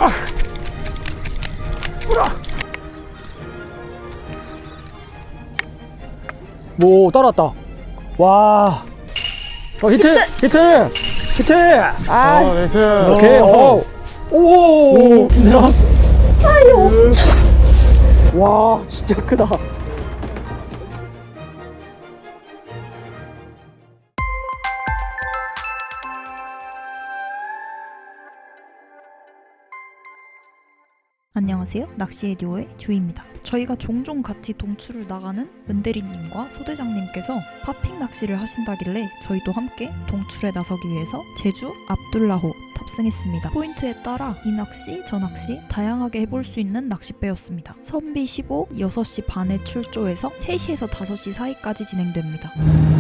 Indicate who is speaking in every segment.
Speaker 1: 뭐 따라왔다. 와. 히트.
Speaker 2: 아,
Speaker 3: 나이스.
Speaker 1: 오케이. 오. 힘들어.
Speaker 2: 아이 엄청.
Speaker 1: 와, 진짜 크다.
Speaker 4: 안녕하세요. 낚시의 듀오의 주희입니다. 저희가 종종 같이 동출을 나가는 은대리님과 소대장님께서 파핑 낚시를 하신다길래 저희도 함께 동출에 나서기 위해서 제주 압둘라호 탑승했습니다. 포인트에 따라 이 낚시, 저 낚시 다양하게 해볼 수 있는 낚싯배였습니다. 선비 15, 6시 반에 출조해서 3시에서 5시 사이까지 진행됩니다.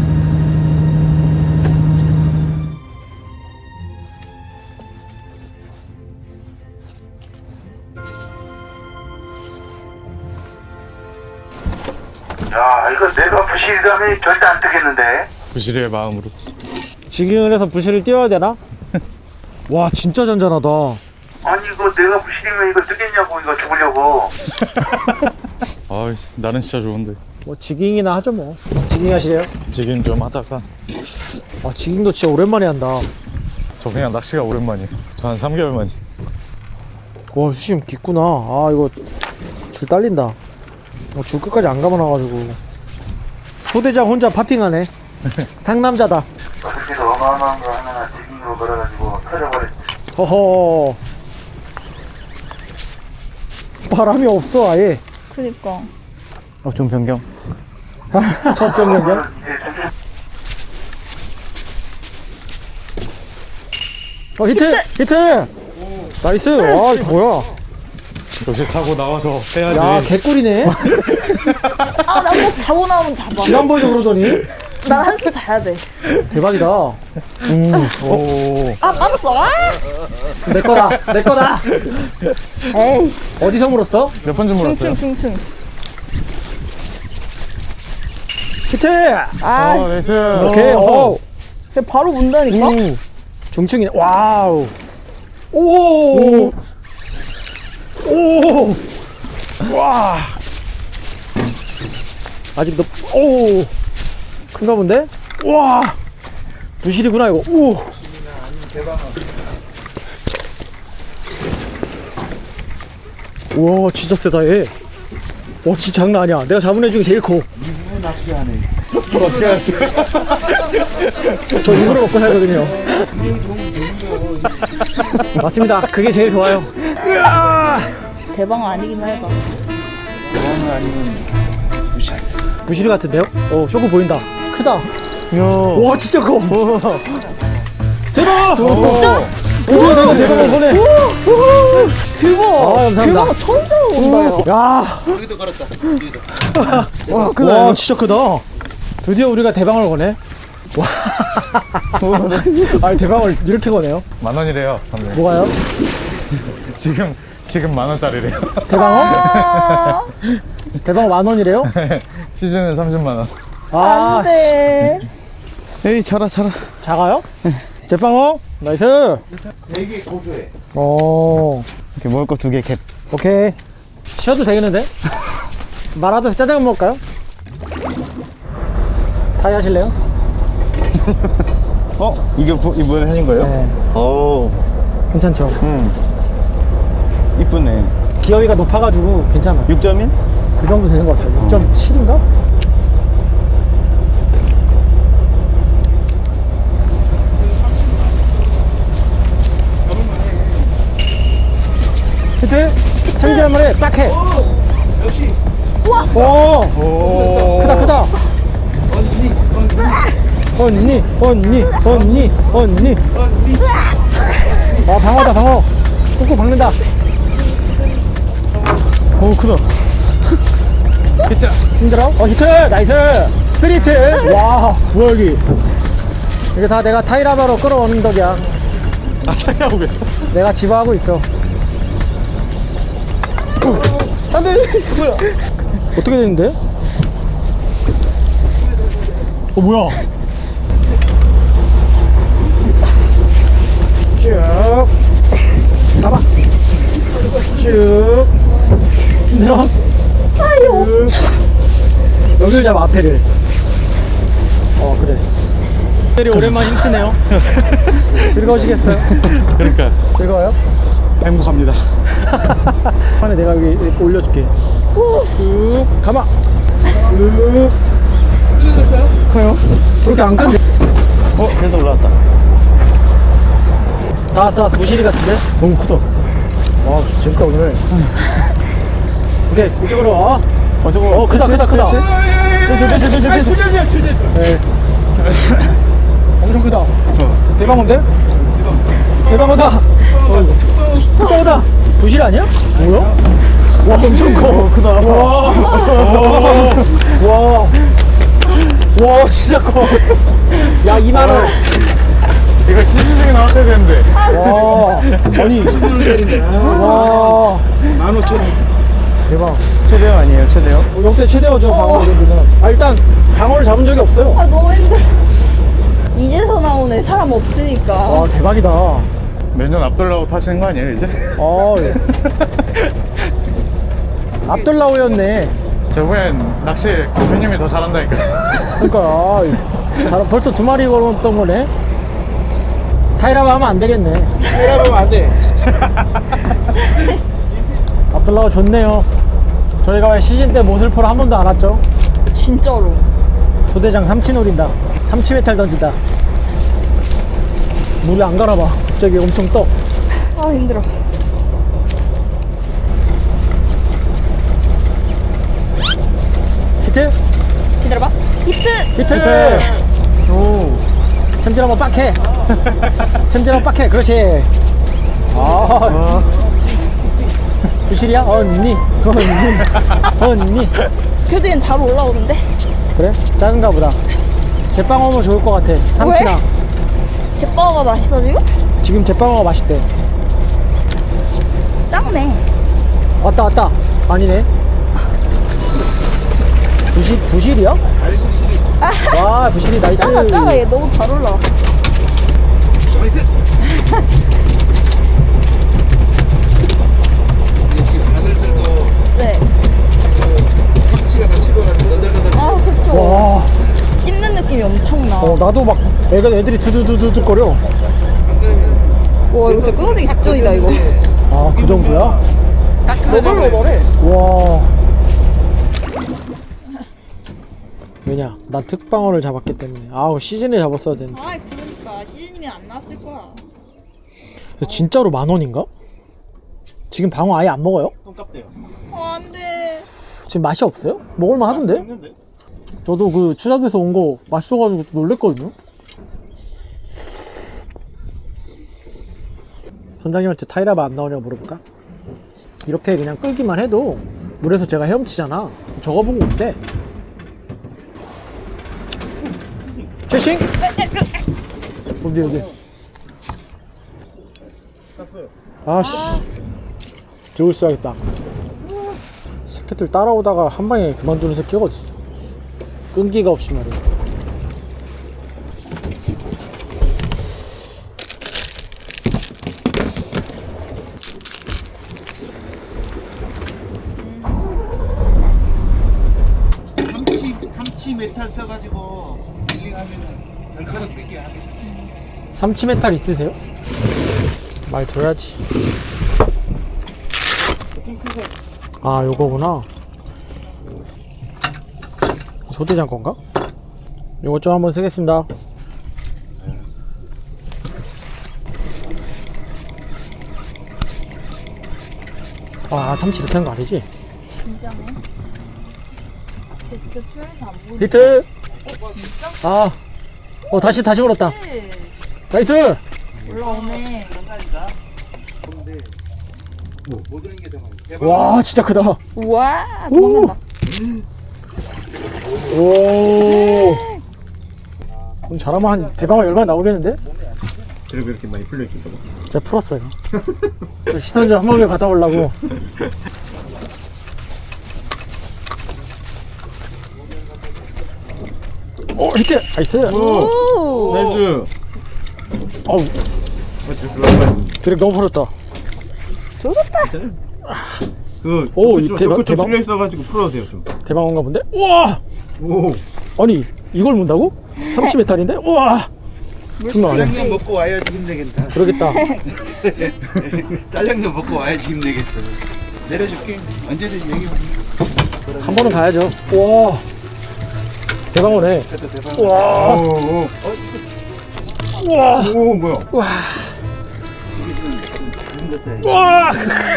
Speaker 5: 야, 이거 내가 부실감이 절대 안 뜨겠는데?
Speaker 3: 부실의 마음으로.
Speaker 1: 지깅을 해서 부실을 띄워야 되나? 와, 진짜 잔잔하다.
Speaker 5: 아니, 이거 내가 부실이면 이거 뜨겠냐고, 이거 죽으려고.
Speaker 3: 아, 나는 진짜 좋은데.
Speaker 1: 뭐 지깅이나 하죠 뭐. 지깅 하시래요?
Speaker 3: 지금 좀 하다가
Speaker 1: 아, 지깅도 진짜 오랜만에 한다.
Speaker 3: 저 그냥 낚시가 오랜만이에요. 저 한 3개월 만이.
Speaker 1: 와, 수심 깊구나. 아, 이거 줄 딸린다. 줄 끝까지 안 감아놔가지고. 소대장 혼자 파핑하네. 상남자다.
Speaker 5: 부실 어마어마한 거 하나 지금으로 걸어가지고 터져버렸지.
Speaker 1: 허허. 바람이 없어 아예.
Speaker 2: 그니까.
Speaker 3: 좀 변경.
Speaker 1: 어쩜 변경? 히트! 나이스! 와, 이거 뭐야?
Speaker 3: 역시 차고 나와서 해야지.
Speaker 1: 야, 개꿀이네.
Speaker 2: 아, 나 꼭 자고 나오면 잡아.
Speaker 1: 지난번에도 그러더니.
Speaker 2: 난 한숨 자야 돼.
Speaker 1: 대박이다.
Speaker 3: 오.
Speaker 2: 아, 빠졌어. 아!
Speaker 1: 내 거다.
Speaker 2: 에이,
Speaker 1: 어디서 물었어?
Speaker 3: 몇 번 좀 물었어요?
Speaker 2: 충충.
Speaker 1: 히트!
Speaker 2: 아,
Speaker 3: 나이스.
Speaker 1: 오케이, 오.
Speaker 2: 그냥 바로 문다니까?
Speaker 1: 중층이네. 와우. 오. 와. 아직 오. 큰가 본데? 와. 부실이구나 이거. 오. 와, 진짜 세다 얘. 와, 진짜 장난 아니야. 내가 잡은 애 중에 제일 커.
Speaker 5: 일부 낚시하네.
Speaker 3: 어떻게 알았어요?
Speaker 1: 저 일부러 먹고 살거든요. 맞습니다. 그게 제일 좋아요.
Speaker 2: 대박 아니긴 해봐.
Speaker 5: 그거는 아니면 부실.
Speaker 1: 부실 같은데요? 쇼크 보인다. 크다.
Speaker 3: 야.
Speaker 1: 와, 진짜 커. 대박!
Speaker 2: 진짜?
Speaker 1: 대박 손에.
Speaker 2: 대박.
Speaker 1: 아, 감사합니다.
Speaker 2: 대박 처음 잡아본다, 야.
Speaker 1: 야. 여기도 걸었다. 와, 크다. 와, 진짜 크다. 드디어 우리가 대방을 거네. 와. 아니, 대방을 이렇게 거네요.
Speaker 3: 10,000원이래요. 방금.
Speaker 1: 뭐가요?
Speaker 3: 지금 10,000원짜리래요.
Speaker 1: 대방어?
Speaker 2: 아,
Speaker 1: 대방어 10,000원이래요?
Speaker 3: 시즌은 30,000원.
Speaker 1: 아,
Speaker 2: 안 돼.
Speaker 3: 에이, 자라.
Speaker 1: 작아요? 대방어? 나이스.
Speaker 5: 되게 고소해.
Speaker 3: 이렇게 먹을 거 2개 캡.
Speaker 1: 오케이. 쉬어도 되겠는데? 말하듯이 짜장면 먹을까요? 타이 하실래요?
Speaker 3: 이번에 하신 거예요?
Speaker 1: 네.
Speaker 3: 오.
Speaker 1: 괜찮죠?
Speaker 3: 이쁘네.
Speaker 1: 기어이가 높아가지고 괜찮아요.
Speaker 3: 6점인?
Speaker 1: 그 정도 되는 것 같아요. 6.7인가? 히트! 참지 한 마리 딱 해!
Speaker 5: 역시.
Speaker 1: 오! 크다! 언니! 아, 방어! 꾹꾹 박는다!
Speaker 3: 오, 크다. 히트.
Speaker 1: 힘들어? 히트! 나이스! 3히트! 와, 뭐야 여기. 이게 다 내가 타이라바로 끌어오는 덕이야.
Speaker 3: 타이하고 계세요?
Speaker 1: 내가 지배하고 있어. 안돼! 뭐야? 어떻게 되는데? 뭐야? 쭉 가봐. 쭉. 힘들어? 아유. 여기를 잡아, 앞에를. 그래. 때리 오랜만에 힘쓰네요. 즐거우시겠어요?
Speaker 3: 그러니까
Speaker 1: 즐거워요?
Speaker 3: 행복합니다.
Speaker 1: 판에 내가 여기 이렇게 올려줄게. 쭉 가마. 쭉. 커요? 그렇게 안 큰데?
Speaker 3: 그래도 올라왔다.
Speaker 1: 다 왔어. 부실이 같은데? 너무 크다. 와, 재밌다 오늘. 오케이, 이쪽으로 와.
Speaker 3: 저거
Speaker 1: 크다. 네. 엄청 크다. 대방어인데? 대방어다. 대방어다. 부실 아니야? 뭐야? 와, 엄청 커. 크다. 와, 진짜 커. 야, 2만원.
Speaker 3: 이거 시즌 중에 나왔어야 되는데.
Speaker 1: 와, 아니. 10만원짜리인데. 와.
Speaker 2: 15,000원.
Speaker 1: 대박.
Speaker 3: 최대요 아니에요? 최대요?
Speaker 1: 역대 최대어죠, 방어 이런데는. 일단, 방어를 잡은 적이 없어요.
Speaker 2: 아, 너무 힘들어. 이제서 나오네, 사람 없으니까.
Speaker 1: 와, 대박이다.
Speaker 3: 매년 앞돌라고 타시는 거 아니에요 이제?
Speaker 1: 예. 압돌라오였네.
Speaker 3: 저번엔 낚시 교수님이 더 잘한다니까.
Speaker 1: 그러니까 벌써 2마리 걸었던 거네. 타이라바 하면 안 되겠네.
Speaker 2: 이러면 안 돼.
Speaker 1: 압돌라오 좋네요. 저희가 왜 시즌 때 모슬포를 한 번도 안 왔죠?
Speaker 2: 진짜로.
Speaker 1: 소대장 삼치 노린다. 삼치 메탈 던진다. 물에 안 갈아봐. 갑자기 엄청 떠.
Speaker 2: 아, 힘들어.
Speaker 1: 히트?
Speaker 2: 기다려봐. 히트!
Speaker 1: 히트! 오. 챔질 한번 빡해. 챔질 한번 빡해. 그렇지. 부실이야? 언니.
Speaker 2: 그래도 얘는 잘 올라오는데?
Speaker 1: 그래? 작은가 보다. 제빵어면 좋을 것 같아. 삼치나.
Speaker 2: 제빵어가 맛있어, 지금?
Speaker 1: 지금 제빵어가 맛있대.
Speaker 2: 작네.
Speaker 1: 왔다. 아니네. 부실이야? 와, 부실이 나이스.
Speaker 2: 작아. 얘 너무 잘 올라와. 네. 아, 그쵸.
Speaker 1: 와,
Speaker 2: 씹는 느낌이 엄청나.
Speaker 1: 나도 막 애들이 두두두두두 거려.
Speaker 2: 와, 이거 진짜 끊어지기 직전이다, 이거.
Speaker 1: 아, 그 정도야?
Speaker 2: 너덜너덜해.
Speaker 1: 와. 왜냐? 나 특방어를 잡았기 때문에. 아우, 시즌에 잡았어야 되는데.
Speaker 2: 아, 그러니까. 시즌이면 안 나왔을 거야.
Speaker 1: 진짜로 10,000원인가? 지금 방어 아예 안 먹어요?
Speaker 2: 안 돼.
Speaker 1: 지금 맛이 없어요? 먹을만 하던데? 저도 그 추잡에서 온 거 맛있어가지고 놀랬거든요. 선장님한테 타이라바 안 나오냐고 물어볼까? 이렇게 그냥 끌기만 해도 물에서 제가 헤엄치잖아. 저거 보고 온대. 최싱? 어디? 아씨, 들고 있어야겠다. 새끼들 따라오다가 한 방에 그만두는 새끼가 어딨어. 끈기가 없이 말이야.
Speaker 6: 삼치 메탈 써가지고 릴링하면은 날카롭게 뺏겨 하겠다.
Speaker 1: 삼치 메탈 있으세요? 말 들어야지. 아, 요거구나. 소대장 건가? 요거 좀 한번 쓰겠습니다. 아, 삼치 이렇게 하는 거 아니지?
Speaker 2: 진짜네. 진짜 큐에서 안 보이네.
Speaker 1: 히트! 아, 다시 물었다. 나이스!
Speaker 2: 올라오네.
Speaker 6: 못 들은 게 대박.
Speaker 1: 와, 진짜 크다.
Speaker 2: 우와, 도망간다.
Speaker 1: 오. 그럼 잘하면 한 대방어 10마리 나오겠는데?
Speaker 6: 그리고 이렇게 많이 풀려있을까 봐.
Speaker 1: 제가 풀었어요. 저 시선 좀 한 번에 받아보려고. 히트! 나이스!
Speaker 2: 오!
Speaker 6: 나이스.
Speaker 1: 어우, 드랙 너무 풀었다.
Speaker 2: 좋았다.
Speaker 6: 그
Speaker 1: 오,
Speaker 6: 좀
Speaker 1: 대박, 대박.
Speaker 6: 풀려 있어가지고 풀어주세요 좀.
Speaker 1: 대방어인가 본데? 우와!
Speaker 6: 오.
Speaker 1: 아니 이걸 문다고? 삼치 메탈인데? 우와! 장난 아니야.
Speaker 6: 짜장면 먹고 와야지 힘내겠다.
Speaker 1: 그러겠다.
Speaker 6: 짜장면 먹고 와야지 힘내겠어. 내려줄게. 언제든지 얘기해.
Speaker 1: 한 번은 가야죠. 우와! 대방어네.
Speaker 6: 대박.
Speaker 1: 우와!
Speaker 6: 오.
Speaker 1: 우와!
Speaker 6: 오 뭐야?
Speaker 1: 우와! 우와!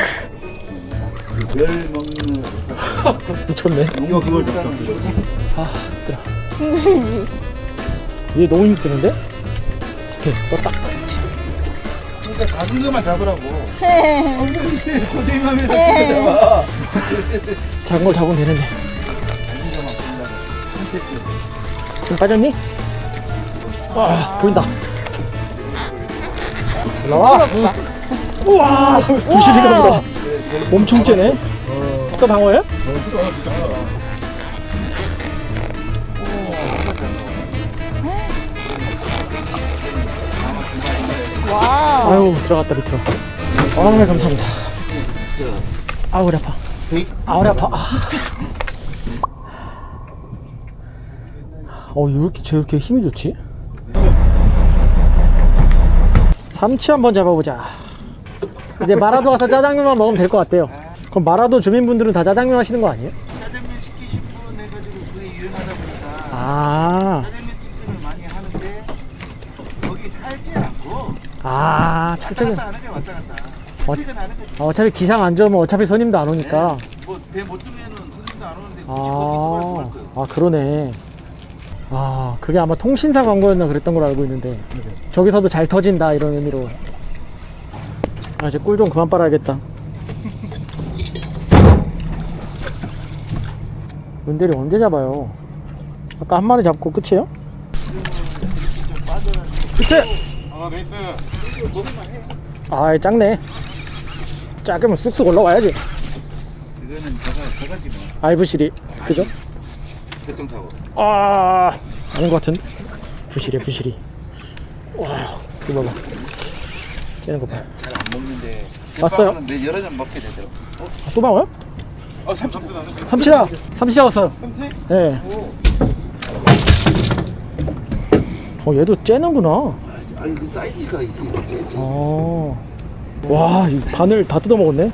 Speaker 6: 별 먹는.
Speaker 1: 미쳤네.
Speaker 6: 이거 그걸 좀.
Speaker 1: 아, 힘들어. 얘 너무 힘쓰는데? 오케이, 떴다.
Speaker 6: 진짜 작은 것만 잡으라고.
Speaker 2: 헤헤.
Speaker 6: 고생하면서 잡아.
Speaker 1: 작은 걸 잡으면 되는데. 좀 빠졌니? 아, 보인다. 올라와. 우와, 부실이가 보다. 엄청 째네. 또 방어예요?
Speaker 2: 와우.
Speaker 1: 아유, 들어갔다 밑으로. 아, 감사합니다. 아우, 허리 아파. 아, 허리 아파. 왜 이렇게 힘이 좋지? 삼치 한번 잡아보자. 이제 마라도 가서 짜장면만 먹으면 될 것 같대요. 그럼 마라도 주민분들은 다 짜장면 하시는 거 아니에요?
Speaker 6: 짜장면 시키신 분은 해가지고 그게 유행하다 보니까
Speaker 1: 아,
Speaker 6: 짜장면 집을 많이 하는데 거기 살지 않고
Speaker 1: 아,
Speaker 6: 왔다
Speaker 1: 출퇴근.
Speaker 6: 갔다 하는 게 왔다 갔다.
Speaker 1: 어,
Speaker 6: 출퇴근하는 거지.
Speaker 1: 어차피 기상 안 좋으면 어차피 손님도 안 오니까.
Speaker 6: 뭐배 못 뜨면은 손님도 안 오는데 굳이 거기
Speaker 1: 아,
Speaker 6: 할 거예요.
Speaker 1: 아, 그러네. 아, 그게 아마 통신사 광고였나 그랬던 걸로 알고 있는데 저기서도 잘 터진다 이런 의미로. 아, 이제 꿀 좀 그만 빨아야겠다. 은대리 언제 잡아요? 아까 한 마리 잡고 끝이에요? 끝에!
Speaker 3: 아 레이스.
Speaker 1: 아, 작네. 작으면 쑥쑥 올라와야지.
Speaker 6: 이거는 저가지 뭐.
Speaker 1: 알부시리, 그죠?
Speaker 6: 교통사고.
Speaker 1: 아, 아닌 것 같은데? 부시리, 부시리. 와, 이거 봐봐. 깨는 거 봐.
Speaker 6: 잘 안 먹는데.
Speaker 1: 왔어요?
Speaker 6: 내 여러 잔 먹게 되더라고.
Speaker 1: 아, 또 방어요?
Speaker 6: 삼치.
Speaker 1: 삼치다! 삼치 잡았어요.
Speaker 6: 삼치?
Speaker 1: 네. 얘도 째는구나.
Speaker 6: 아니 그 사이즈가 있으니까 째지.
Speaker 1: 와, 이 바늘 다 뜯어 먹었네.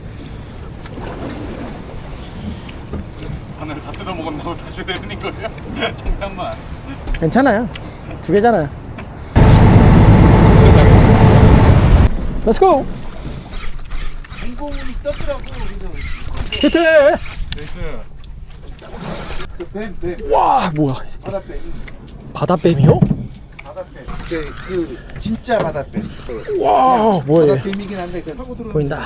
Speaker 3: 하늘 다 뜯어 먹었나고 다시 내리는 거예요? 잠깐만.
Speaker 1: 괜찮아요. 두 개잖아요. Let's go.
Speaker 6: 공공이 떴더라고.
Speaker 1: 히트!
Speaker 3: 레이스.
Speaker 6: 뱀.
Speaker 1: 와, 뭐야?
Speaker 6: 바다뱀.
Speaker 1: 바다뱀이요?
Speaker 6: 바다뱀. 그 진짜 바다뱀.
Speaker 1: 와, 뭐야? 얘.
Speaker 6: 바다뱀이긴 한데 그 타고 들어오는
Speaker 1: 보인다.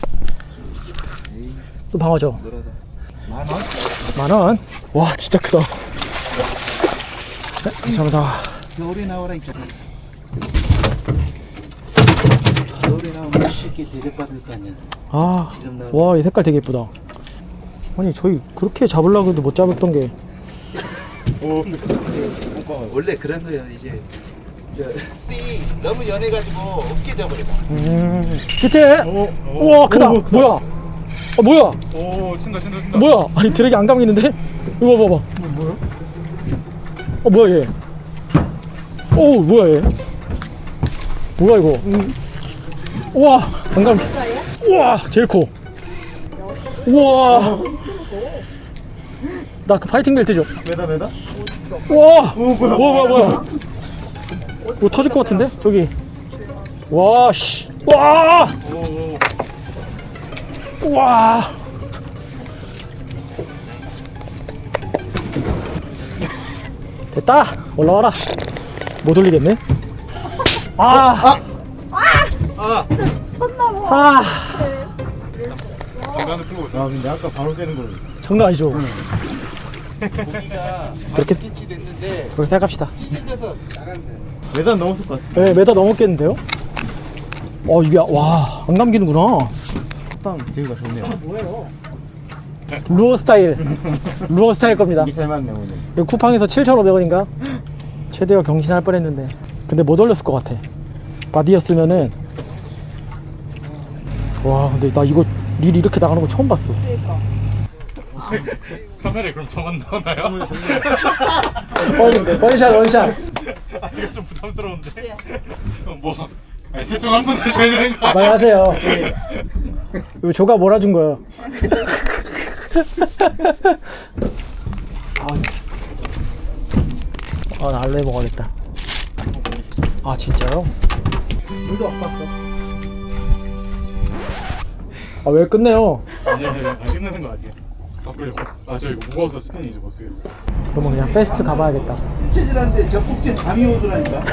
Speaker 1: 또 방어죠.
Speaker 6: 노라다. 10,000원?
Speaker 1: 10,000원. 와, 진짜 크다. 네, 감사합니다.
Speaker 6: 겨울에 나오라니까. 겨울에 나오면 쉽게 대접받을 거 아니야.
Speaker 1: 아,
Speaker 6: 지금 나오네.
Speaker 1: 와, 이 색깔 되게 예쁘다. 아니, 저희 그렇게 잡으려고 해도 못 잡았던 게.
Speaker 6: 원래 그런 거예요. 이제 띠 너무 연해가지고 어깨 잡으려고.
Speaker 1: 히트! 우와, 크다. 뭐야? 뭐야?
Speaker 3: 오 친다.
Speaker 1: 뭐야? 아니, 드랙이 안 감기는데? 이거 봐봐.
Speaker 3: 뭐야?
Speaker 1: 뭐야 얘? 오, 뭐야 얘? 뭐야 이거? 우와, 안 감기. 우와, 제일 커. 우와. 나 그 파이팅 벨트 줘.
Speaker 3: 메다.
Speaker 1: 우와. 뭐야? 뭐 터질 것 같은데? 저기. 와, 씨. 와. 와. 됐다. 올라와라. 못 올리겠네.
Speaker 2: 쳤나봐.
Speaker 1: 아,
Speaker 3: 중간에 풀고 있어.
Speaker 6: 아 근데 아까 바로 떼는 걸로.
Speaker 1: 장난 아니죠.
Speaker 6: 고기가
Speaker 1: 그렇게-
Speaker 6: 많이 됐는데
Speaker 1: 그렇게 생각합시다.
Speaker 6: 찢어져서 나갔네.
Speaker 3: 메다 넘었을 것 같아.
Speaker 1: 네, 메다 넘었겠는데요? 이게, 와, 안 감기는구나.
Speaker 3: 빵 제이가 좋네요.
Speaker 1: 루어 스타일. 루어 스타일 겁니다.
Speaker 3: 잘 맞네 오늘.
Speaker 1: 이거 쿠팡에서 7,500원인가? 최대어 경신할 뻔 했는데. 근데 못 올렸을 것 같아. 바디였으면은. 와, 근데 나 이거 릴 이렇게 나가는 거 처음 봤어.
Speaker 2: 그러니까.
Speaker 3: 카메라에 그럼 저만 나오나요?
Speaker 1: 원샷 원샷.
Speaker 3: 아 이거 좀 부담스러운데. 뭐 아니 세총 한 번 하셔야 되는 거 아니야?
Speaker 1: 말하세요. 이거 조가 몰아준 거예요. 나 알로에 먹어야겠다. 아 진짜요?
Speaker 6: 저도 안 봤어.
Speaker 1: 아 왜 끝내요?
Speaker 3: 아니야 끝내는 거 아니야. 저 이거 무거워서 스피닝 이제 못 쓰겠어.
Speaker 1: 그러면 그냥 페스트 가봐야겠다.
Speaker 6: 국제질하는데 저 국제 잠이 오더라니까.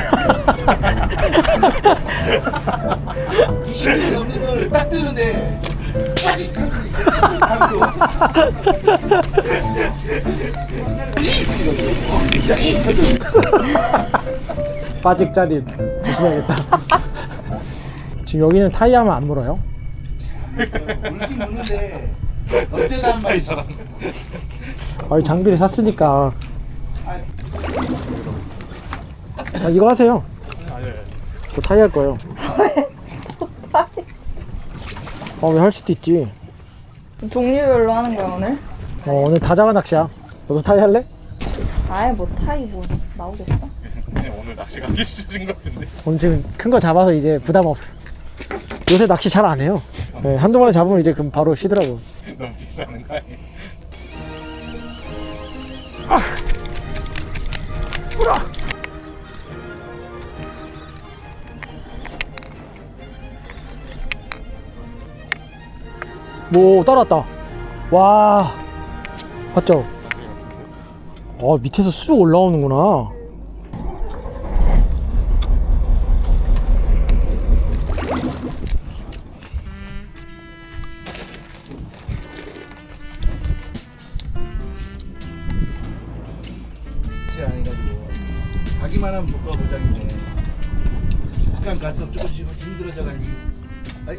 Speaker 6: 20년 넘는 걸 딱 뜨는데 빠직 잠이 와.
Speaker 1: 빠직짜리 조심해야겠다. 지금 여기는 타이어만 안 물어요?
Speaker 6: 물긴 물는데 언제나 한 마리 살았네.
Speaker 1: 아니 장비를 샀으니까. 이거 하세요. 저 타이 할 거예요. 왜 할 수도 있지.
Speaker 2: 종류별로 하는 거야 오늘?
Speaker 1: 오늘 다자가 낚시야. 너도 타이 할래?
Speaker 2: 아예 뭐 타이 뭐 나오겠어?
Speaker 3: 오늘 낚시 가기 싫어진 것 같은데.
Speaker 1: 오늘 지금 큰 거 잡아서 이제 부담 없어. 요새 낚시 잘 안 해요. 네, 한두 마리 잡으면 이제 그럼 바로 쉬더라고.
Speaker 3: 너무 비싸는 거 아니야?
Speaker 1: 뭐 따라왔다. 와, 봤죠? 밑에서 쑥 올라오는구나.
Speaker 6: 안 해가지고 가기만 하면 못 가보자는데 시간 갈수록 조금씩 힘들어져가니. 아이.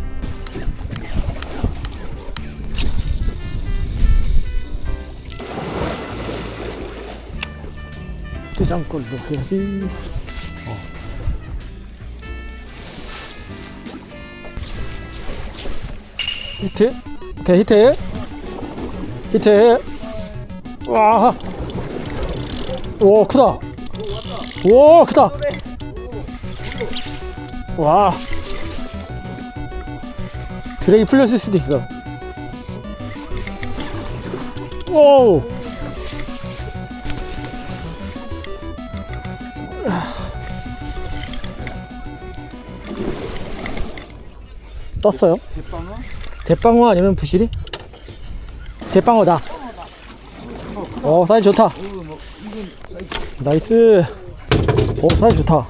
Speaker 1: 대장골로 해야지. 히트? 오케이, 히트. 히트. 와. 오, 크다. 오, 크다. 와. 드랙이 풀렸을 수도 있어. 오. 떴어요? 대빵어 아니면 부시리? 대빵어다. 사이즈 좋다. 나이스. 사이즈 좋다.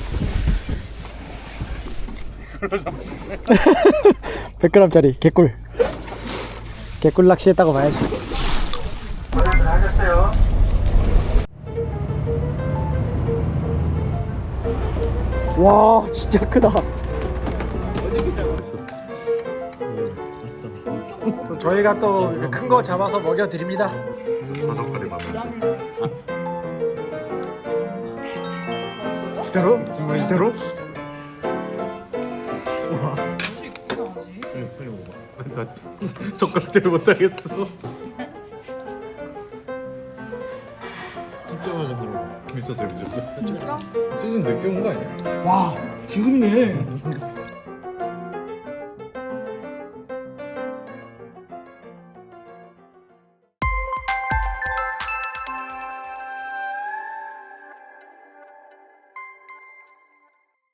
Speaker 1: 100g짜리 개꿀. 개꿀 낚시했다고 봐야지.
Speaker 5: 고생하셨어요.
Speaker 1: 와, 진짜 크다. 또 저희가 또 큰 거 잡아서 먹여 드립니다.
Speaker 3: 버섯거리 맛나.
Speaker 1: 진짜로? 진짜로?
Speaker 3: 빨리 먹어봐. 나 젓가락질 못하겠어. 진짜 맛있어. 미쳤어요. 진짜? 시즌 늦게 온 거 아니야?
Speaker 1: 와, 지금이네.